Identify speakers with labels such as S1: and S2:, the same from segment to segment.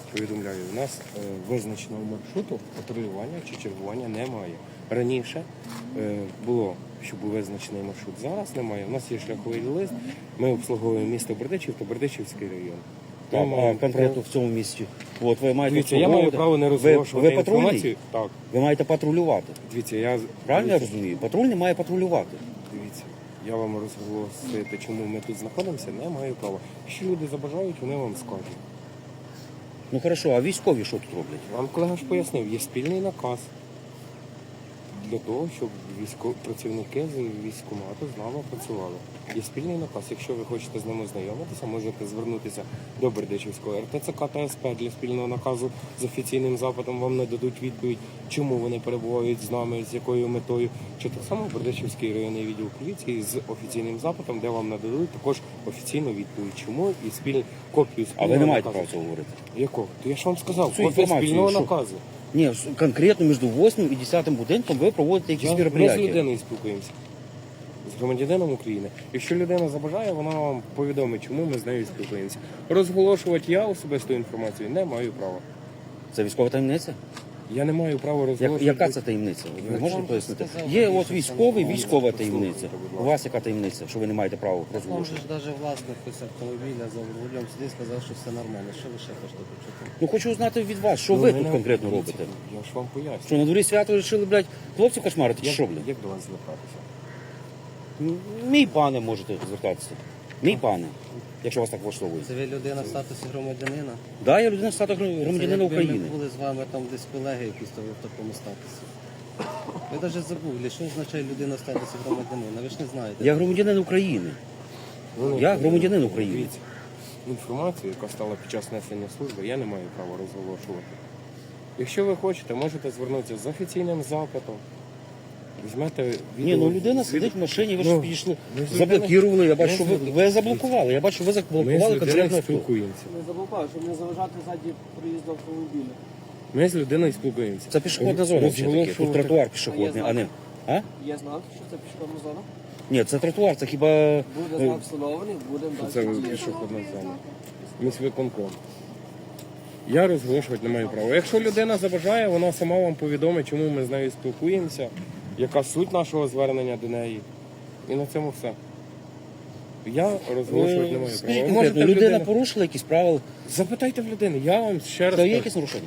S1: повідомляю, у нас визначеного маршруту патрулювання чи чергування немає. Раніше було, що був визначений маршрут, зараз немає. У нас є шляховий лист, ми обслуговуємо місто Бердичів та Бердичівський район.
S2: Так, а конкретно в цьому місці. От ви маєте
S1: Дивіться, я маю право не розголошувати
S2: ви патрульний?
S1: інформацію. Так.
S2: Ви маєте патрулювати.
S1: Дивіться, я...
S2: Правильно я розумію? Патрульний має патрулювати.
S1: Дивіться, я вам розголосити, чому ми тут знаходимося, не маю права. Якщо люди забажають, вони вам скажуть.
S2: Ну хорошо, а військові що тут роблять?
S1: Вам колега ж пояснив, є спільний наказ для того, щоб працівники з військкомату з нами працювали. Є спільний наказ. Якщо ви хочете з ним ознайомитися, можете звернутися до Бердичівського РТЦК та СП для спільного наказу з офіційним запитом. Вам нададуть відповідь, чому вони перебувають з нами, з якою метою. Чи так само Бердичівський районний відділ поліції з офіційним запитом, де вам нададуть також офіційну відповідь, чому і копію
S2: А
S1: спільного
S2: ви не маєте
S1: наказу.
S2: права цього говорити.
S1: Якого? То я ж вам сказав,
S2: Цю
S1: копія
S2: інформацію,
S1: спільного
S2: що?
S1: наказу.
S2: Ні, конкретно між 8 і 10 будинком ви проводите якісь
S1: Ми з
S2: мероприятия.
S1: людиною спілкуємося. З громадянином України. Якщо людина забажає, вона вам повідомить, чому ми з нею спілкуємося. Розголошувати я особисту інформацію не маю права.
S2: Це військова таємниця?
S1: Я не маю права розголошувати.
S2: Яка це таємниця? Ви можете пояснити? Є от військовий, військова таємниця. У вас яка таємниця, що ви не маєте права
S3: Там же
S2: розголошувати?
S3: ж навіть власник ось автомобіля за рулем сидить, сказав, що все нормально. Що ви ще хочете почути?
S2: Ну хочу узнати від вас, що
S1: Ну,
S2: ви
S1: мене-
S2: тут конкретно
S1: дивіться,
S2: робите.
S1: Я ж вам поясню.
S2: Що на дворі свято вирішили, блядь, хлопців кошмарити, чи що, блядь?
S1: Як до вас звертатися?
S2: Мій пане можете звертатися. Мій пане, якщо вас так влаштовує.
S3: Це ви людина в статусі громадянина?
S2: Да, я людина в статусі громадянина
S3: Це
S2: України.
S3: якби ми були з вами там десь колеги якісь, то ви в такому статусі. Ви навіть забули, що означає людина в статусі громадянина, ви ж не знаєте.
S2: Я громадянин України. Я громадянин України.
S1: Дивіться, інформацію, яка стала під час несення служби, я не маю права розголошувати. Якщо ви хочете, можете звернутися з офіційним запитом. Візьмете відео.
S2: Ні, ну людина сидить в машині, ви ж
S1: Ну,
S2: підійшли,
S1: ми з
S2: заблокували, я бачу,
S1: ми
S2: що
S1: з
S2: ви
S1: людиною-
S2: заблокували, я бачу, що ви
S1: Ми з
S2: заблокували
S1: людиною
S2: конкретно авто.
S1: спілкуємося.
S4: Не заблокував, щоб не заважати ззаді проїзду автомобіля.
S1: Ми з людиною спілкуємося.
S2: Це пішохідна зона все-таки, тут тротуар пішохідний, а не... А?
S4: Є знак, що це пішохідна зона.
S2: Ні, це тротуар, це хіба...
S4: Буде знак встановлений, будемо
S1: Це
S4: далі. діяти.
S1: пішохідна зона. Міськвиконком. Я розголошувати не маю права. Якщо людина забажає, вона сама вам повідомить, чому ми з нею спілкуємося, яка суть нашого звернення до неї. І на цьому все. Я розголошувати не маю
S2: Скажіть
S1: права.
S2: конкретно,
S1: Можете
S2: людина порушила якісь правила?
S1: Запитайте в людини, я вам ще раз
S2: Це є
S1: кажу.
S2: якісь нарушення?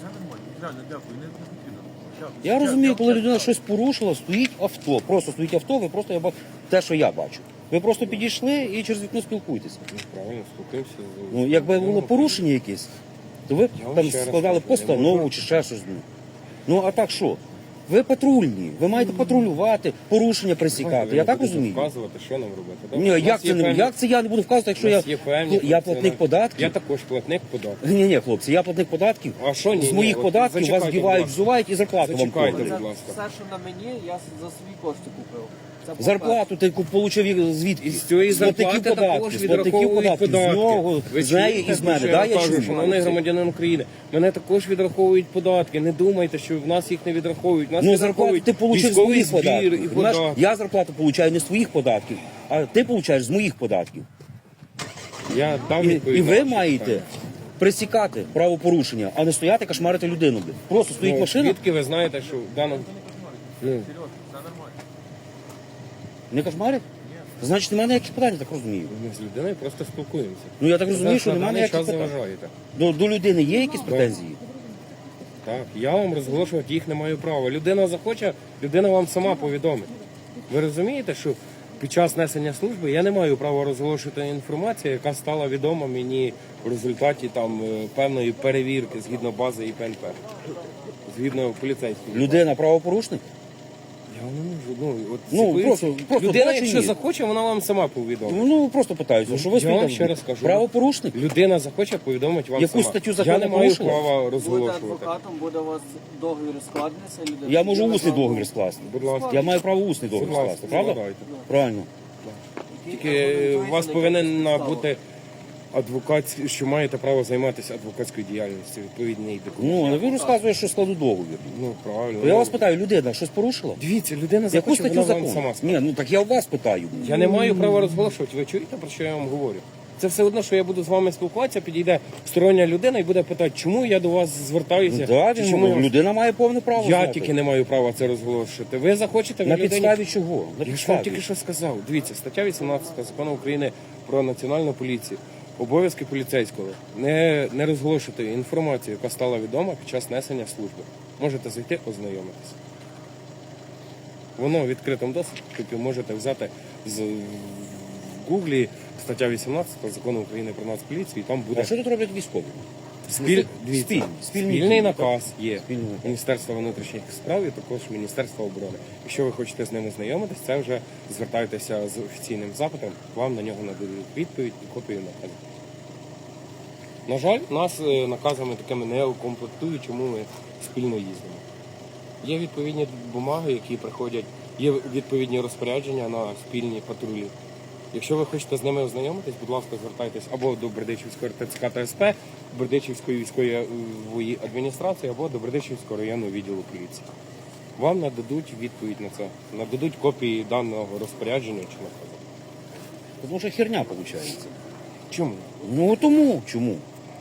S2: Я розумію, коли людина щось порушила, стоїть авто. Просто стоїть авто, ви просто те, що я бачу. Ви просто підійшли і через вікно спілкуєтеся.
S1: Правильно, спілкуємося.
S2: Ну, якби було порушення якесь, то ви б
S1: Я вам
S2: там
S1: ще раз
S2: складали
S1: кажу,
S2: постанову
S1: не можна.
S2: чи ще щось. Ну а так що? Ви патрульні, ви маєте патрулювати, порушення пресікати. Я так розумію?
S1: Вказувати, що нам робити.
S2: Ні,
S1: У нас
S2: як
S1: є
S2: це не
S1: певні-
S2: як це я не буду вказувати, якщо
S1: у
S2: я,
S1: нас є певні
S2: я платник
S1: функціональні-
S2: податків?
S1: Я також платник податків.
S2: Ні, хлопці, я платник податків.
S1: А що ні?
S2: З моїх
S1: Ні, от
S2: податків вас
S1: зачекайте,
S2: вдівають,
S1: будь ласка.
S2: взувають і зарплату вам
S1: Зачекайте,
S2: платять.
S1: будь ласка.
S4: Все, що на мені, я за свої кошти купив. Це по-перше.
S2: Зарплату ти получив звідки?
S1: З цієї зарплати також відраховують податки.
S2: З нього,
S1: Ви
S2: з неї
S1: чуєте,
S2: і з мене.
S1: що
S2: Да,
S1: я
S2: я
S1: кажу,
S2: чую.
S1: шановний громадянин України, мене також відраховують податки. Не думайте, що в нас їх не відраховують. В Нас
S2: Ну, зарплату
S1: відраховують
S2: ти получиш з
S1: військовий
S2: моїх
S1: збір
S2: податків.
S1: і
S2: Понимаєш?
S1: податки.
S2: Я зарплату получаю не з твоїх податків, а ти получаєш з моїх податків.
S1: Я дав
S2: І
S1: відповідь на
S2: ви
S1: ваше
S2: маєте
S1: питання.
S2: пресікати правопорушення, а не стояти кошмарити людину. Блін. Просто стоїть
S1: Ну,
S2: машина,
S1: звідки ви знаєте, що в даному... Ну,
S2: не кошмарить? Значить, немає ніяких питань, я так розумію.
S1: ми з людиною просто спілкуємося.
S2: Ну я так розумію,
S1: Зараз
S2: що
S1: на
S2: немає
S1: даний
S2: ніяких
S1: час
S2: питань.
S1: заважаєте.
S2: До людини є якісь претензії?
S1: Так, я вам розголошувати їх не маю права. Людина захоче, людина вам сама повідомить. Ви розумієте, що під час несення служби я не маю права розголошувати інформацію, яка стала відома мені в результаті там певної перевірки згідно бази ІПНП, згідно поліцейської.
S2: Людина правопорушник?
S1: Я вам не можу. От
S2: Ну,
S1: ситуація-
S2: просто
S1: людина,
S2: бачення.
S1: якщо захоче, вона вам сама повідомить.
S2: Ну просто питаюся, що ви
S1: Я вам
S2: стоїте
S1: ще раз кажу.
S2: правопорушник?
S1: Людина захоче, повідомить вам
S2: Яку
S1: сама.
S2: статтю
S1: Я
S2: закону
S1: не маю
S2: порушила?
S1: права
S4: Будете
S1: розголошувати.
S4: адвокатом, буде у вас договір складеться. людина
S2: Я можу
S4: піде
S2: усний
S4: на
S2: договір скласти.
S1: Будь ласка.
S2: Я маю право усний договір
S1: Будь ласка,
S2: скласти, правда?
S1: складайте.
S2: Правильно.
S1: Тільки у вас повинен бути адвокат, що маєте право займатися адвокатською діяльністю, відповідний документ.
S2: Ну, а ви розказуєте, що складу договір.
S1: Ну, правильно.
S2: То я вас питаю, людина щось порушила?
S1: Дивіться, людина
S2: Яку
S1: захоче,
S2: статтю
S1: вона вам
S2: закону?
S1: сама скаже.
S2: Ні, ну так я у вас питаю.
S1: Я не маю права розголошувати. Ви чуєте, про що я вам говорю? Це все одно, що я буду з вами спілкуватися, підійде стороння людина і буде питати, чому я до вас звертаюся.
S2: Да,
S1: чи чому я...
S2: людина має повне право
S1: Я
S2: знати.
S1: тільки не маю права це розголошувати. Ви захочете, ви
S2: На
S1: людині-
S2: підставі чого? На
S1: Я ж вам
S2: підставі.
S1: тільки що сказав. Дивіться, стаття 18 Закону України про національну поліцію. Обов'язки поліцейського не розголошувати інформацію, яка стала відома під час несення служби. Можете зайти, ознайомитися. Воно в відкритому доступі можете взяти в Гуглі стаття 18 Закону України про Нацполіцію, і там буде
S2: А що тут роблять військові?
S1: дивіться,
S2: спільний
S1: спільний
S2: дій,
S1: наказ є
S2: Спільний наказ.
S1: Міністерства внутрішніх справ і також Міністерства оборони. Якщо ви хочете з ним ознайомитись, це вже звертайтеся з офіційним запитом, вам на нього нададуть відповідь і копію наказу. На жаль, нас наказами такими не укомплектують, чому ми спільно їздимо. Є відповідні бумаги, які приходять, є відповідні розпорядження на спільні патрулі. Якщо ви хочете з ними ознайомитись, будь ласка, звертайтесь або до Бердичівської РТЦК та СП, Бердичівської військової адміністрації, або до Бердичівського районного відділу поліції. Вам нададуть відповідь на це, нададуть копії даного розпорядження чи наказу.
S2: Тому що херня виходить.
S1: Чому?
S2: Ну тому чому?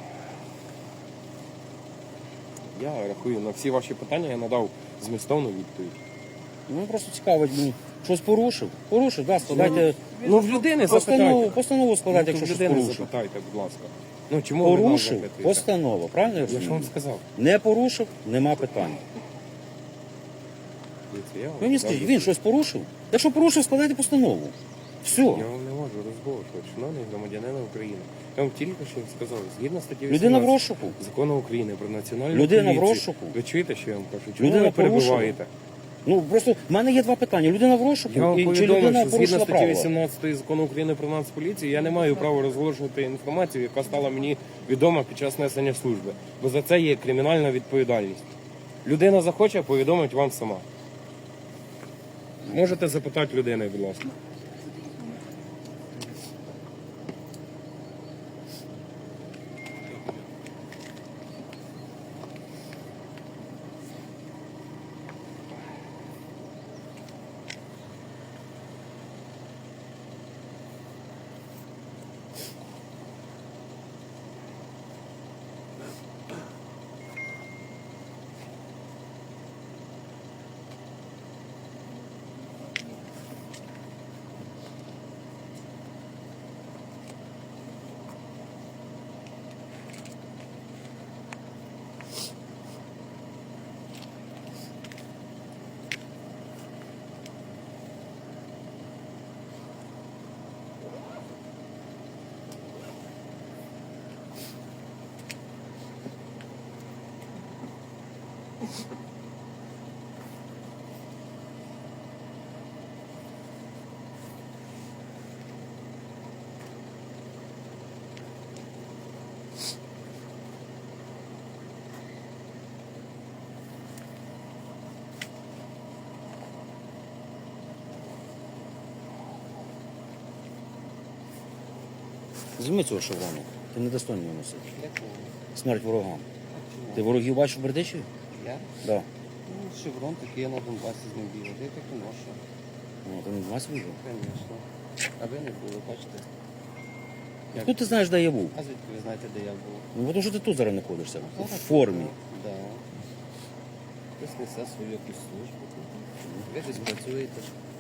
S1: Я рахую, на всі ваші питання я надав змістовну відповідь.
S2: Ну просто цікавить, щось порушив. Порушив, да, складайте
S1: Ну, в людини запитайте.
S2: постанову складайте,
S1: Ну,
S2: якщо
S1: в
S2: щось
S1: людини
S2: порушив.
S1: запитайте, будь ласка. Ну, чому ви нас
S2: Порушив,
S1: запитуєте?
S2: постанова, правильно я
S1: Я ж
S2: розумію?
S1: вам сказав.
S2: Не порушив, нема питань.
S1: Дивіться, я вам
S2: Ви мені
S1: сказав.
S2: скажіть, він щось порушив? Якщо порушив, складайте постанову. Все.
S1: Я вам не можу розголошувати, шановний громадянина України. Я вам тільки що сказав, згідно статті 18
S2: Людина в розшуку.
S1: Закону України про національну
S2: Людина в
S1: поліцію.
S2: розшуку.
S1: Ви чуєте, що я вам кажу? Чому
S2: Людина
S1: ви
S2: порушила.
S1: перебуваєте?
S2: Ну просто в мене є два питання. Людина в розшуку
S1: Я вам
S2: і чи
S1: повідомив,
S2: людина
S1: що згідно
S2: порушила
S1: статті
S2: правила?
S1: 18 Закону України про Нацполіцію я не маю права розголошувати інформацію, яка стала мені відома під час несення служби. Бо за це є кримінальна відповідальність. Людина захоче, повідомить вам сама. Можете запитати людини, будь ласка.
S2: Зніми цього шеврону. Ти не достойний його носити. Смерть ворогам. Ти ворогів бачив в Бердичеві?
S3: Я?
S2: Да.
S3: Ну, шеврон такий, я на Донбасі з ним бігав. Я так і ношу.
S2: Ну, ти не в нас вижив.
S3: Звісно. А ви не були, бачите?
S2: Откуда ти знаєш, де я був?
S3: А звідки ви знаєте, де я був?
S2: Ну, тому що ти тут зараз знаходишся. В формі.
S3: Да. Хтось несе свою якусь службу. Ви десь працюєте.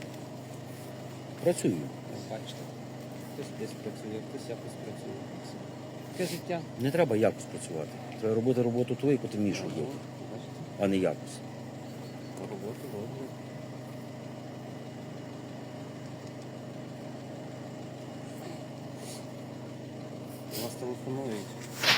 S2: Працюю.
S3: Ну, бачите. Хтось десь працює, хтось якось працює. Таке життя.
S2: Не треба якось працювати. Треба робити роботу ту, яку ти вмієш робити,
S3: Бачите?
S2: а не якось.
S3: По роботу роблю. У вас телефонують.